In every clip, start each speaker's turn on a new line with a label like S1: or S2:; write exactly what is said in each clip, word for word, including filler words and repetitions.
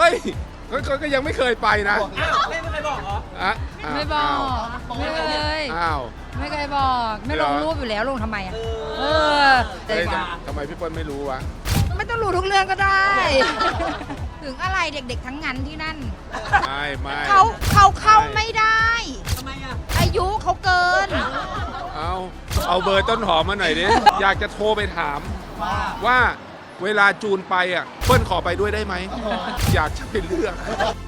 S1: ฮ้ยก็ก็ยังไม่เคยไปนะ
S2: อ้าวไม่เคยบอกเหรอ
S1: อ่ะ
S3: ไม่บอกไม่เคย
S1: อ้าว
S3: ไม่เคยบอกไม่ลงรูปอยู่แล้วลงทำไมอ่ะเออแต่
S1: เฮ้ย
S3: ว่า
S1: ทำไมพี่เปิ้ลไม่รู้วะ
S3: ไม่ต้องรู้ทุกเรื่องก็ได้ ถึงอะไรเด็กๆทั้งนั้นที่นั่น
S1: ไม่ไม่
S3: เขาเขาเข้าไม่ได้
S2: ทำไมอ่ะ
S3: อายุเขาเกิน
S1: เอาเอาเบอร์ต้นหอมมาหน่อยดิ อยากจะโทรไปถาม
S2: ว่า
S1: ว่าเวลาจูนไปอ่ะเปิ้ลขอไปด้วยได้ไหม อยากจะไปเลือก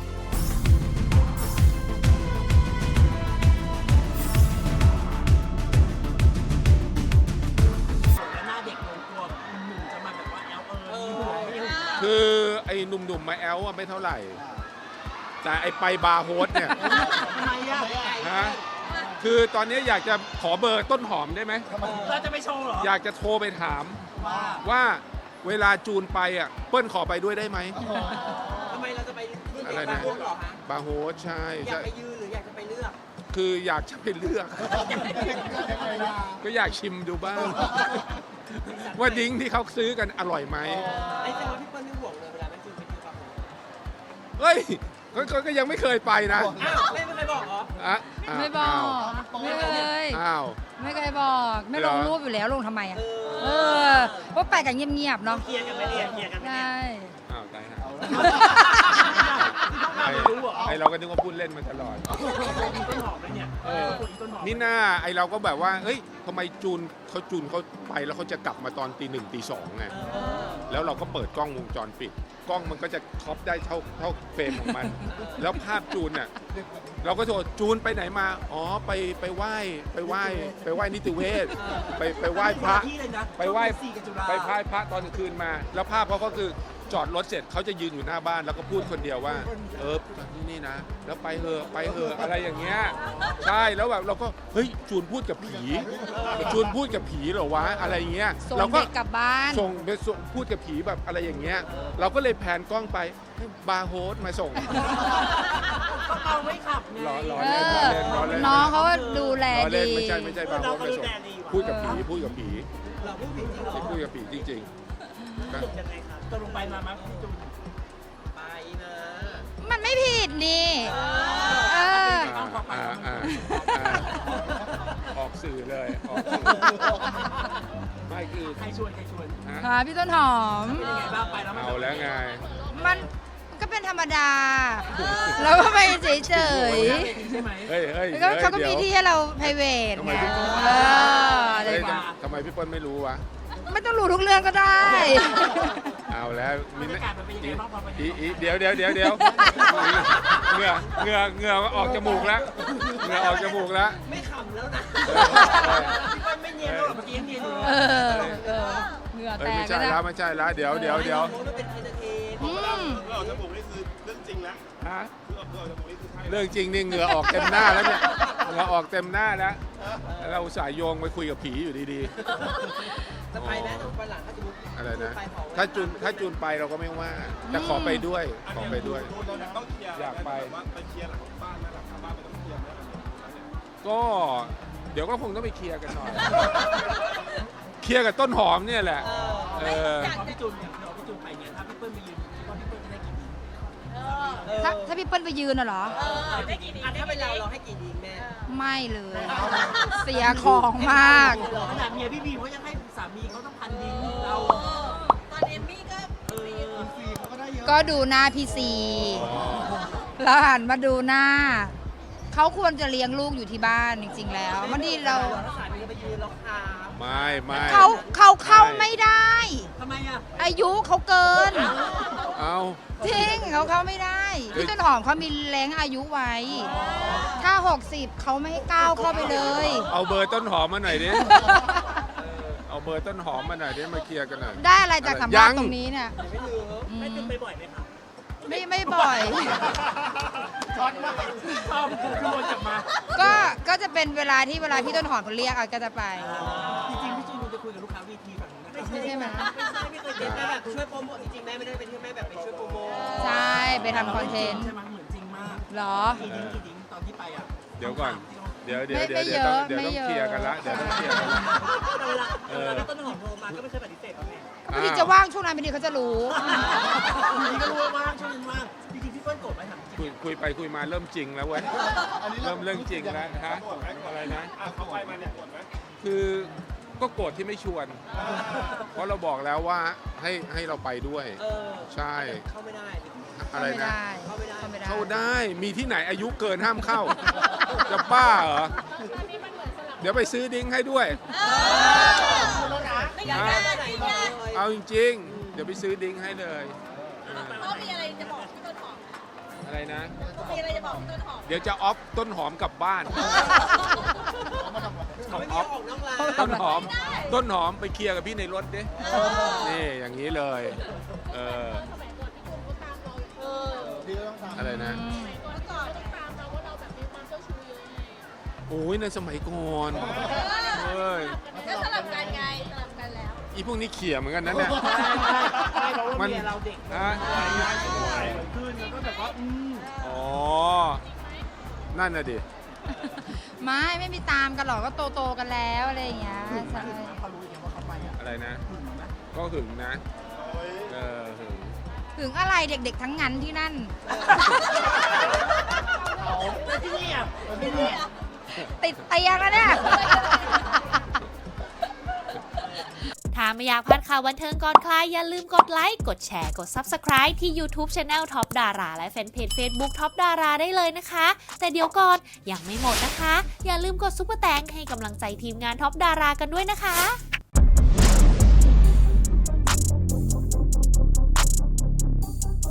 S2: หน้าเด็กลงตัวหนุ่มจะมาแบบว่าแอลเออไม่รู้
S1: คือไอ้หนุ่มๆมาแอลอะไม่เท่าไหร่ แต่ไอ้ไปบาร์โฮสเนี่ย
S2: ทำไมอ่ะ
S1: ฮะคือตอนนี้อยากจะขอเบอร์ต้นหอมได้ไหม
S2: เราจะไปโชว์เหรอ
S1: อยากจะโทรไปถาม
S2: ว่า
S1: ว่าเวลาจูนไปอ่ะเปิ้ลขอไปด้วยได้ไหม
S2: ทำไมเราจะไปรุ่น
S1: อะไร
S2: เด็ก
S1: นะ
S2: บางคนเหรอฮะ
S1: บาร์โฮสใช่
S2: อยา
S1: ใช่
S2: กไปยืนหรืออยากจะไปเลือก
S1: คืออยากจะไปเลือก ก็อยากชิมดูบ้าง ว่าดิ้งที่เขาซื้อกันอร่อยไหม
S2: ไอ้เจ้าพี่เปิ้ลไม่ห่วงเลยเวลาแม่จูนไปยืนกับผม
S1: เฮ้ยก็ก็ก็ยังไม่เคยไปนะ
S2: อ้าวไม่เคยบอกเหรอ
S1: อ่ะอ้าว
S3: ไม่บอกไม่เคย
S1: อ้าว
S3: ไม่เคยบอกไม่ลงรูปอยู่แล้วลงทำไมอ่ะเออเพราะไปกันเงียบๆเนาะ
S2: เคลียร์กันไปเนี่ยเคลียร์กันไป
S3: ใช่
S2: เนี่ย
S1: อ้าวตายฮะ
S2: ต้
S1: ไอ้
S2: องรู้เหรอ
S1: ไอเราก็นึกว่าพูดเล่นมาตลอด
S2: ต้นหอมเลยเนี่ย
S1: เออ
S2: ต้นหอม
S1: นี่หน้าไอเราก็แบบว่าเฮ้ยทำไมจูนเขาจูนเขาไปแล้วเขาจะกลับมาตอนตีหนึ่งตีสองไง แล้วเราก็เปิดกล้องวงจรปิด กล้องมันก็จะครอปได้เท่าเท่าเฟรมของมัน แล้วภาพจูนน่ะเราก็โทรจูนไปไหนมา อ๋อไปไปไหว้ไปไหว้ไปไหว้นิติเวศไปไปไหว้พระ
S2: ที่เลยนะ
S1: ไปไหว้
S2: สี่กับจุฬา
S1: ไปไหว้พระตอนกลางคืนมา แล้วภาพเขาก็คือจอดรถเสร็จเขาจะยืนอยู่หน้าบ้านแล้วก็พูดคนเดียวว่า เออจอดที่นี่นะ แล้วไปเถอะไปเถอะอะไรอย่างเงี้ยใช่แล้วแบบเราก็เฮ้ยจูนพูดกับผีจูนพูดกับผีเหรอวะอะไรอย่างเงี้ย
S3: ส่ง
S1: เราก็
S3: เด็กกลับบ้าน
S1: ส่งไปส่งพูดกับผีแบบอะไรอย่างเงี้ย เราก็เลยแพนกล้องไปให้บาร์โฮสมาส่ง
S2: ก็เอาไว้ขับไง
S1: รอรอ
S3: เอ
S1: เล่นร
S3: อ
S1: อเล่นรอเล่น
S3: น้องเขาก็ดูแล
S1: รอเล่น
S3: ดี
S1: ไม่ใช่ไม่ใช่บาร์โฮสมาส่งพูดกับผีพูดกับผี
S2: เราพูดจริงๆเหรอ
S1: พูดกับผีจริงๆ
S2: สรุปยังไงครับตกลงไปมามั้ยพี่จูนไปนะ
S3: มันไม่ผิดนี่เออ
S1: อ่าอ่าอ่าอ่าออกสื่อเลยออกสื่อไม่คือ
S2: ใครชวนใครชวน
S1: ฮะ
S3: ค่ะพี่ต้นหอม
S2: เป็นยังไงบ้างไปแล้วมัน
S1: เอาแล้วไง
S3: มันก็เป็นธรรมดา แล้วก็ไปเฉย
S2: ใช่ไหม
S1: เฮ้ยเฮ้ย
S3: ๆแล้วก็เขาก็มีที่ให้เรา p r i v a t
S1: ทำไม
S3: ไง
S1: พี่
S3: เอออะไร
S1: เฮ้ย
S3: แบบ
S1: ทำไมพี่เปิ้ลไม่รู้วะ
S3: ไม่ต้องรู้ทุกเรื่องก็ได้
S1: เอาแล้ว
S2: บรรยากาศมันเป็นยังไงบ้างพอไป
S1: อีอีเดี๋ยวเดี๋ยวเดี๋ยวเดี๋ยวเหงื่อเหงื่อเหงื่อออกจมูกแล้วเหงื่อออกจมูกแล้ว
S2: ไม่ขำแล้วนะพี่เปิ้ลไม่เนียนแล้วหรอเมื่อกี้ยังเนียนอยู่
S3: เออเออเหงื่อ
S1: เอ้
S3: แต
S1: ยไม่
S3: ก
S1: ใช่
S3: แล้ว
S1: แล้ว
S3: นะ
S1: ไม่ใช่แล้วเดี๋ยวเดี๋ยวเดี๋ยว
S2: มันเป็นเอนเตอร์เทน
S3: อืม
S4: เพื่อออกจมูกนี่คือเรื่องจริงแล้ว
S1: ฮะ
S4: เพื่อเพื่อออกจมูกนี่คือใช่
S1: เรื่องจริงนี่เหงื่อออกเต็มหน้าแล้วเนี่ยเหงื่อออกเต็มหน้าแล้วเราอุตส่าห์โยงไปคุยกับผีอยู่ดี
S2: จะไปนะไปหลังถ้าสมมติ
S1: ๆอะไรนะ
S2: ไปขอไว้
S1: ถ้าจูนถ้าจูนไปเราก็ไม่ว่า แต่ขอไปด้วยขอไปด้วย
S4: ดูเราต้องเคลียร์
S1: อยากไป
S4: ว่าไปเคลียร์หลังบ้านนะหลังคาบ้านไม่ต้องเคลียร์นะเนี่ย
S1: ก็เดี๋ยวก็คงต้องไปเคลียร์กันหน่อย เคลียร์กับต้นหอมเนี่ยแหละ เออ
S2: พอพี่จูนเนี่ยเราพี่จูนไปเนี่ยถ้าพี่เปิ้ลไปยืนคิดว่าพี่เปิ้ลจะได้กี่ดี
S3: ถ้าถ้าพี่เปิ้ลไปยืนน่ะเหรอ
S2: ได้กี่ดีถ้าเป็นเราเราให้กี่ดีแม่
S3: ไม่เลย เสียของมาก
S2: ขนาดเมียพี่บีเขายังให้สามีเขาต้องพันดีเรา
S5: ตอนเอมมี่ก็
S2: เออฟรีเขาก็ได้เยอะ
S3: ก็ดูหน้าพี่ซีแล้วหันมาดูหน้า เขาควรจะเลี้ยงลูกอยู่ที่บ้านจริงๆแล้วมันดีเรา
S2: ถ้าสามีไปยืนเราคา
S1: ไม่ไม่
S3: เขาเขาเข้าไม่ได้
S2: ทำไมอ่ะ
S3: อายุเขาเกิน
S1: เอา
S3: จริงเขาเข้าไม่ได้ พี่ต้นหอมเขามีแรงอายุไว้ ถ้าหกสิบเขาไม่ให้ก้าวเข้าไปเลย
S1: เอาเบอร์ต้นหอมมาหน่อยดิ เอาเบอร์ต้นหอมมาหน่อยดิมาเคลียร์กันหน่อย
S3: ได้อะไรจากสัม
S1: ยั
S3: ภาษ
S1: ง
S3: ณ์ตรงนี้เนี่ย
S2: ไม่ลืม
S3: อืม
S2: แม่จูนไปบ่อยไหมคะ
S3: ไม่ไม่บ่อย
S2: ช็อตมากชอบคือวนกลับมา
S3: ก็ก็จะเป็นเวลาที่เวลาพี่ต้นหอมเขาเรียกอ่ะก็จะไป
S2: จริงๆพี่จูนจะคุยกับลูกค้าวีทีฝั่งนู้นนะ
S3: ใช่ไหม
S2: ไม่ใช่ไม่เคยเจอแม่แบบช่วยโปรโมทจริงๆแม่ไม่ได้เป็นที่แม่แบบไปช่วยโปรโมท
S3: ใช่ไปทำคอนเทนต์
S2: ใช่ไหมเหมือนจริงมาก
S3: เหรอ
S2: กี่ดิ้งกี่ดิ้งตอนที่ไปอ่ะ
S1: เดี๋ยวก่อน เดี๋ยวเดี๋ยว
S3: ไม่
S1: เดี๋ยว
S3: ไม่
S1: เดี๋ยวต้อง
S3: เยอะ
S1: เดี๋ยวต้อง
S3: ไม่เยอะ
S1: เคลียร์กันละเดี๋ยวต้องเคลียร์กันละ
S2: เวลา
S1: เออ
S2: เวลาต้นหอมโทรมาก็ไม่เคยปฏิเสธหรอกแม่
S3: พอดีจะว่างช่วงนั้นพอดีเขาจะรู้
S2: นี่ก็รู้ว่าว่างช่วงนั้นว่างจพื่อนโกรธไหมถามจริง
S1: คุยคุยไปคุยมาเริ่มจริงแล้วเว้ย เริ่มเรื่องจริงแล้วฮะอะไรนะ
S4: อ่ะเขาไปมาเนี่ยปวดไหม
S1: คือก็โกรธที่ไม่ชวน เพราะเราบอกแล้วว่าให้ให้เราไปด้วย
S2: เออ
S1: ใช่
S2: เข้าไม่ได้
S1: อะไรนะ
S2: เข้าไม่ได้
S3: เข้าไม่ได้
S1: เข้าได้มีที่ไหนอายุเกินห้ามเข้า จะบ้าเหรอ เดี๋ยวไปซื้อดิ้งให้ด้วย
S5: ไม่อยากได้อะไรเนี่ย
S1: เอาจริงๆ เดี๋ยวไปซื้อดิ้งให้เลยเออ
S5: เขามีอะไรจะบอกพี่ต้นหอม
S1: อะไรนะ
S5: มีอะไรจะบอกพี่ต้นหอม
S1: เดี๋ยวจะออฟต้นหอมกลับบ้าน
S2: เขาไม่มีออกนอกร้าน
S1: ต้นหอม ต้นหอมไปเคลียร์กับพี่ในรถดิ นี่อย่างนี้เลย เออ
S5: เออ
S1: อะไรนะ
S3: อืม
S5: เมื่อก่อนต้องตามเราว่าเราแบบมีความเจ้าชู้เยอะไง
S1: โอ้ยในสมัยก่อนเอ้ย
S5: ก็สลับกันไงสลับกันแล้ว
S1: อีพวกนี้เขี่ยเหมือนกันนะเนี่ย
S2: ใช่เพราะว่า
S1: มัน
S2: เมียเราเด็ก
S1: ฮะ
S2: สวยขึ้นแล้วก็แบบว่าอืม
S1: อ๋อ นั่นน่ะดิ
S3: ไม่ไม่มีตามกันหรอกก็โตโตๆกันแล้วอะไรอย่างเงี้ยใช่
S1: อะไรนะ ก็หึงนะ เออหึง
S3: ถึงอะไรเด็กๆทั้งนั้นที่นั่น
S2: แล้วที่นี่อ่ะที่นี่อ่ะ
S3: ติดเตียงแล้วเนี่ย
S6: ถ้าไม่อยากพลาดข่าวบันเทิงก่อนใครอย่าลืมกดไลค์ กดแชร์ กด Subscribe ที่ YouTube Channel Top Dara และแฟนเพจ Facebook Top Dara ได้เลยนะคะ แต่เดี๋ยวก่อนยังไม่หมดนะคะ อย่าลืมกดซุปเปอร์แตงให้กำลังใจทีมงาน Top Dara กันด้วยนะคะ